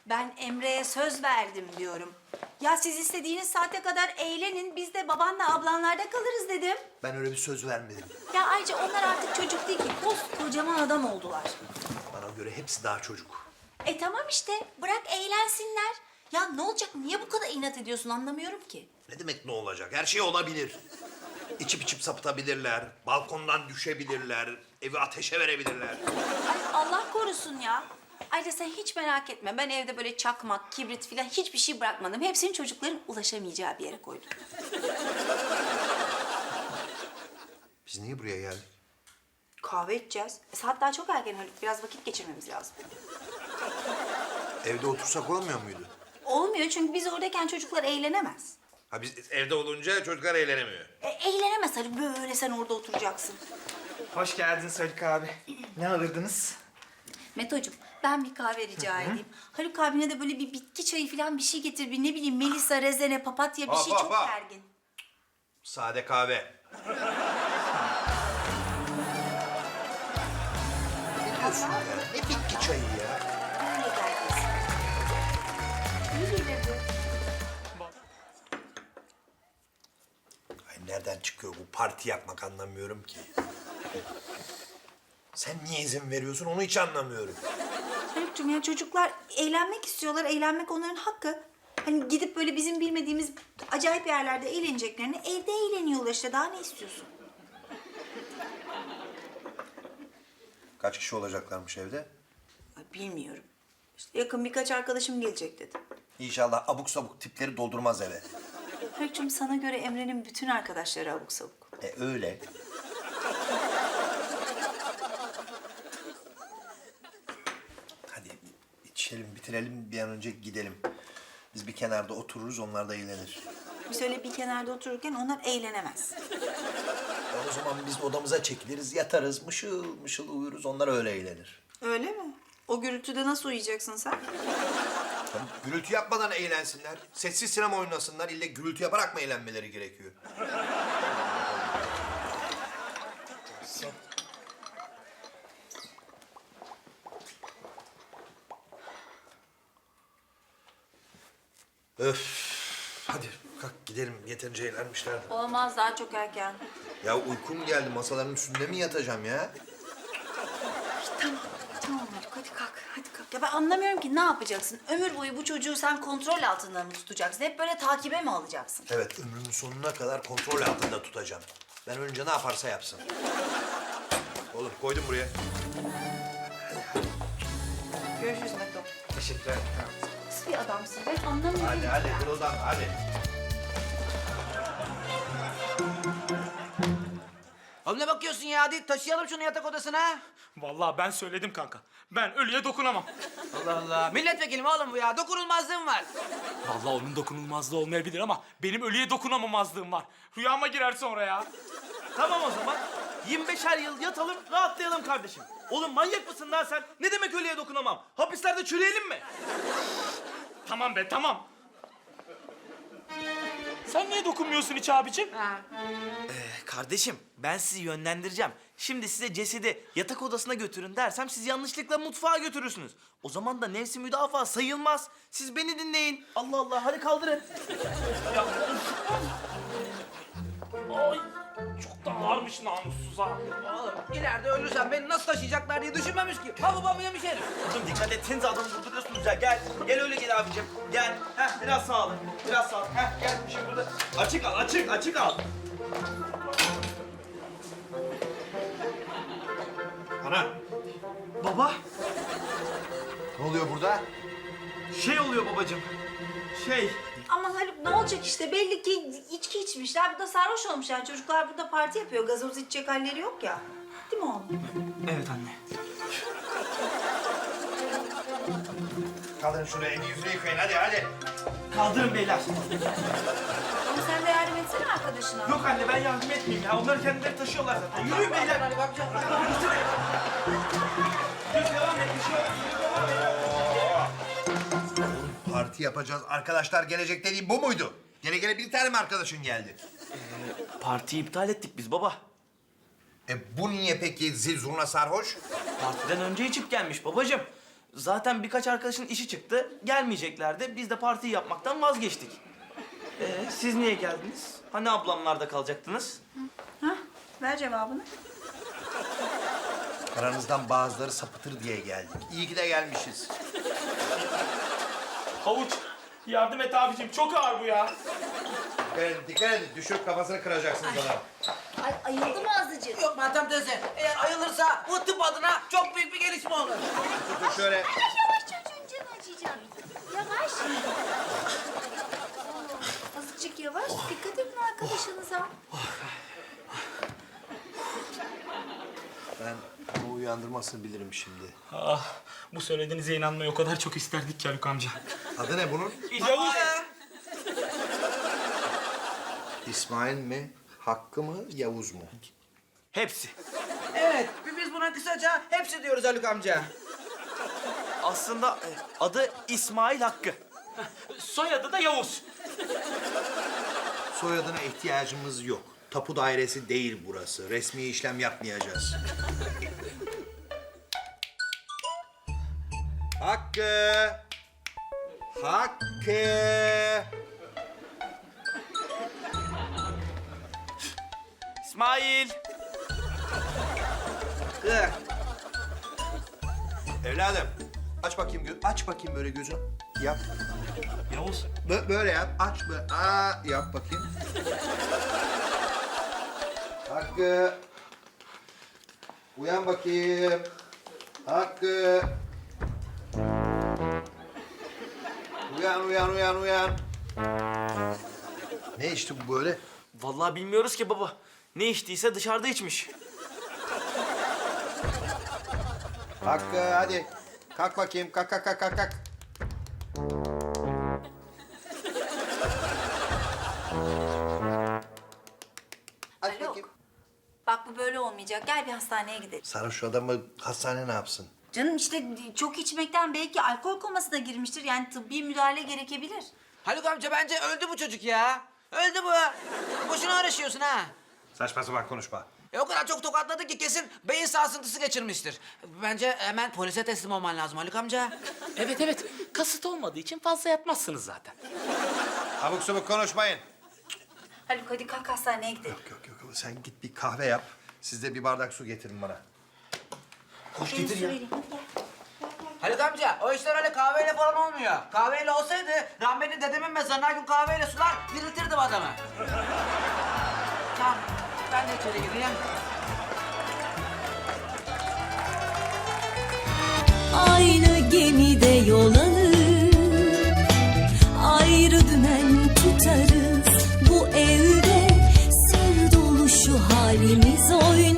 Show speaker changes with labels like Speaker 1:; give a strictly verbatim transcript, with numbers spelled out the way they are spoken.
Speaker 1: Ben Emre'ye söz verdim diyorum. Ya siz istediğiniz saate kadar eğlenin, biz de babanla ablanlarda kalırız dedim.
Speaker 2: Ben öyle bir söz vermedim.
Speaker 1: Ya ayrıca onlar artık çocuk değil ki, koskocaman adam oldular.
Speaker 2: Bana göre hepsi daha çocuk.
Speaker 1: E tamam işte, bırak eğlensinler. Ya ne olacak, niye bu kadar inat ediyorsun anlamıyorum ki.
Speaker 2: Ne demek ne olacak? Her şey olabilir. İçip içip sapıtabilirler, balkondan düşebilirler, evi ateşe verebilirler.
Speaker 1: Ay Allah korusun ya. Ayrıca sen hiç merak etme, ben evde böyle çakmak, kibrit falan hiçbir şey bırakmadım. Hepsini çocukların ulaşamayacağı bir yere koydum.
Speaker 2: Biz niye buraya geldik?
Speaker 1: Kahve içeceğiz. E, saat daha çok erken Haluk, biraz vakit geçirmemiz lazım.
Speaker 2: Evde otursak olmuyor muydu?
Speaker 1: Olmuyor çünkü biz oradayken çocuklar eğlenemez.
Speaker 2: Ha biz evde olunca çocuklar eğlenemiyor.
Speaker 1: E, eğlenemez Haluk, böyle sen orada oturacaksın.
Speaker 3: Hoş geldin Haluk abi. Ne alırdınız?
Speaker 1: Meto'cum ben bir kahve rica edeyim. Haluk abine de böyle bir bitki çayı falan bir şey getir. Bir ne bileyim Melisa, rezene, papatya bir
Speaker 2: Hop,
Speaker 1: şey
Speaker 2: hop,
Speaker 1: çok
Speaker 2: hop.
Speaker 1: gergin.
Speaker 2: Sade kahve. Ne diyorsun ya? Ne bitki çayı ya?
Speaker 1: Öyle gergin. İyi gelirdi.
Speaker 2: Ay nereden çıkıyor bu parti yapmak anlamıyorum ki. Sen niye izin veriyorsun onu hiç anlamıyorum.
Speaker 1: Haluk'cum ya çocuklar eğlenmek istiyorlar. Eğlenmek onların hakkı. Hani gidip böyle bizim bilmediğimiz acayip yerlerde eğleneceklerini evde eğleniyorlar işte. Daha ne istiyorsun?
Speaker 2: Kaç kişi olacaklarmış evde?
Speaker 1: Ay, bilmiyorum. İşte yakın birkaç arkadaşım gelecek dedi.
Speaker 2: İnşallah abuk sabuk tipleri doldurmaz eve.
Speaker 1: Haluk'cum sana göre Emre'nin bütün arkadaşları abuk sabuk.
Speaker 2: E öyle. Hadi içelim, bitirelim bir an önce gidelim. Biz bir kenarda otururuz, onlar da eğlenir.
Speaker 1: Biz öyle bir kenarda otururken onlar eğlenemez.
Speaker 2: O zaman biz odamıza çekiliriz, yatarız, mışıl mışıl uyuruz, onlar öyle eğlenir.
Speaker 1: Öyle mi? O gürültüde nasıl uyuyacaksın sen?
Speaker 2: Tabii gürültü yapmadan eğlensinler. Sessiz sinema oynasınlar. İlle gürültü yaparak mı eğlenmeleri gerekiyor? Öf. Hadi kalk gidelim. Yeterince eğlenmişler.
Speaker 1: Olmaz, daha çok erken.
Speaker 2: Ya uykum geldi. Masaların üstünde mi yatacağım ya?
Speaker 1: Tamam, tamam Haluk hadi kalk, hadi kalk. Ya ben anlamıyorum ki ne yapacaksın? Ömür boyu bu çocuğu sen kontrol altında mı tutacaksın? Hep böyle takibe mi alacaksın?
Speaker 2: Evet, ömrümün sonuna kadar kontrol altında tutacağım. Ben önce ne yaparsa yapsın. Oğlum koydum buraya.
Speaker 1: Görüşürüz Meto.
Speaker 3: Teşekkürler.
Speaker 1: Nasıl bir adamsın? Ben anlamıyorum.
Speaker 2: Hadi hadi kırıldan hadi.
Speaker 4: Oğlum ne bakıyorsun ya? Hadi taşıyalım şunu yatak odasına.
Speaker 5: Vallahi ben söyledim kanka. Ben ölüye dokunamam.
Speaker 4: Allah Allah. Milletvekili mi oğlum bu ya? Dokunulmazlığım var.
Speaker 5: Vallahi onun dokunulmazlığı olmayabilir ama benim ölüye dokunamamazlığım var. Rüyama girer sonra ya.
Speaker 3: Tamam o zaman. yirmi beşer yıl yatalım, rahatlayalım kardeşim. Oğlum manyak mısın lan sen? Ne demek ölüye dokunamam? Hapislerde çürüyelim mi?
Speaker 5: Tamam be tamam. Sen niye dokunmuyorsun hiç abicim?
Speaker 3: Ee, kardeşim, ben sizi yönlendireceğim. Şimdi size cesedi yatak odasına götürün dersem siz yanlışlıkla mutfağa götürürsünüz. O zaman da nefsi müdafaa sayılmaz. Siz beni dinleyin. Allah Allah, hadi kaldırın.
Speaker 5: Ay çok da ağırmış namussuz ha.
Speaker 4: Oğlum ileride ölürsem beni nasıl taşıyacaklar diye düşünmemiş ki. Ha babamı yemiş herif.
Speaker 3: Oğlum dikkat etsenize adamı vurduruyorsunuz ya. Gel, gel öyle gel abicim. Gel. Heh, biraz sağ olun. Biraz sağ olun. Heh, gel şimdi burada. Açık al, açık, açık al.
Speaker 2: Ana
Speaker 3: Baba,
Speaker 2: ne oluyor burada?
Speaker 3: şey oluyor babacığım. Şey,
Speaker 1: Ama Haluk ne olacak işte? Belli ki içki içmişler. Burada sarhoş olmuşlar. Çocuklar burada parti yapıyor. Gazoz içecek halleri yok ya. Değil mi oğlum?
Speaker 3: evet anne.
Speaker 2: Kaldırın şuraya elini yüzünü yıkayın hadi hadi.
Speaker 3: Kaldırın beyler.
Speaker 1: Ama sen de yardım etsene arkadaşına.
Speaker 3: Yok anne ben yardım etmeyeyim ya. Onları kendileri taşıyorlar zaten. Yürüyün beyler.
Speaker 4: Hadi bakacağız.
Speaker 3: Yürü devam et. Bir şey yok. Yürü devam et.
Speaker 2: Parti yapacağız. Arkadaşlar gelecek dediğim bu muydu? Gene gene bir tane mi arkadaşın geldi?
Speaker 3: Partiyi iptal ettik biz baba.
Speaker 2: E bu niye peki zil zurna sarhoş?
Speaker 3: Partiden önce içip gelmiş babacığım. Zaten birkaç arkadaşın işi çıktı. Gelmeyeceklerdi. Biz de partiyi yapmaktan vazgeçtik. Ee, siz niye geldiniz? Hani ablamlarda kalacaktınız?
Speaker 1: Hah, ver cevabını.
Speaker 2: Aranızdan bazıları sapıtır diye geldik. İyi ki de gelmişiz.
Speaker 5: Havuç yardım et abicim çok ağır bu ya.
Speaker 2: Dikkat edin, dikkat edin. Düşürüp kafasını kıracaksınız adamı.
Speaker 1: Ay, ayıldı mı azıcık?
Speaker 4: Yok Meltem teyze, eğer ayılırsa bu tıp adına çok büyük bir gelişme olur.
Speaker 2: Dur şöyle.
Speaker 1: Yavaş çocuğun canı acıyacak. Yavaş. Azıcık yavaş. Dikkat edin arkadaşınıza.
Speaker 2: Ben bu uyandırmasını bilirim şimdi.
Speaker 5: Ah, bu söylediğinize inanmayı o kadar çok isterdik ki Haluk amca.
Speaker 2: Adı ne bunun?
Speaker 5: Yavuz.
Speaker 2: İsmail mi? Hakkı mı? Yavuz mu?
Speaker 3: Hepsi.
Speaker 4: Evet, biz buna kısaca hepsi diyoruz Haluk amca.
Speaker 3: Aslında e, adı İsmail Hakkı.
Speaker 5: Soyadı da Yavuz.
Speaker 2: Soyadına ihtiyacımız yok. Tapu dairesi değil burası. Resmi işlem yapmayacağız. Hakkı! Hakkı!
Speaker 3: İsmail.
Speaker 4: Hakkı.
Speaker 2: Evladım, aç bakayım gö aç bakayım böyle gözünü. Yap.
Speaker 5: Yavuz.
Speaker 2: Bö- böyle yap. Aç böyle. Aa, yap bakayım. Hakkı. Uyan bakayım. Hakkı. Uyan, uyan, uyan, uyan. Ne içti bu böyle?
Speaker 3: Vallahi bilmiyoruz ki baba. Ne içtiyse dışarıda içmiş.
Speaker 2: Hakkı hadi. Kalk bakayım. Kalk, kalk, kalk, kalk, kalk. Aç
Speaker 1: Haluk.
Speaker 2: bakayım.
Speaker 1: Bak bu böyle olmayacak. Gel bir hastaneye gidelim.
Speaker 2: Sarhoş şu adamı hastane ne yapsın?
Speaker 1: Canım işte çok içmekten belki alkol komasına girmiştir. Yani tıbbi müdahale gerekebilir.
Speaker 4: Haluk amca bence öldü bu çocuk ya. Öldü bu. Boşuna uğraşıyorsun ha.
Speaker 2: Saçma sapan konuşma.
Speaker 4: E o kadar çok tokatladı ki kesin beyin sarsıntısı geçirmiştir. Bence hemen polise teslim olman lazım Haluk amca.
Speaker 5: Evet evet kasıt olmadığı için fazla yatmazsınız zaten.
Speaker 2: Abuk subuk konuşmayın.
Speaker 1: Haluk hadi kalk hastaneye gidelim.
Speaker 2: Yok yok yok sen git bir kahve yap. Siz de bir bardak su getirin bana. Koş
Speaker 1: Senin
Speaker 2: getir
Speaker 1: su
Speaker 2: ya.
Speaker 1: vereyim, hadi gel.
Speaker 4: Haluk amca o işler öyle kahveyle falan olmuyor. Kahveyle olsaydı rahmetli dedemin mezarına her gün kahveyle sular diriltirdim adamı. Tamam ben de içeri gireyim.
Speaker 6: Aynı gemide yol alır, ayrı dümen tutarız. Bu evde sır dolu şu halimiz oynar.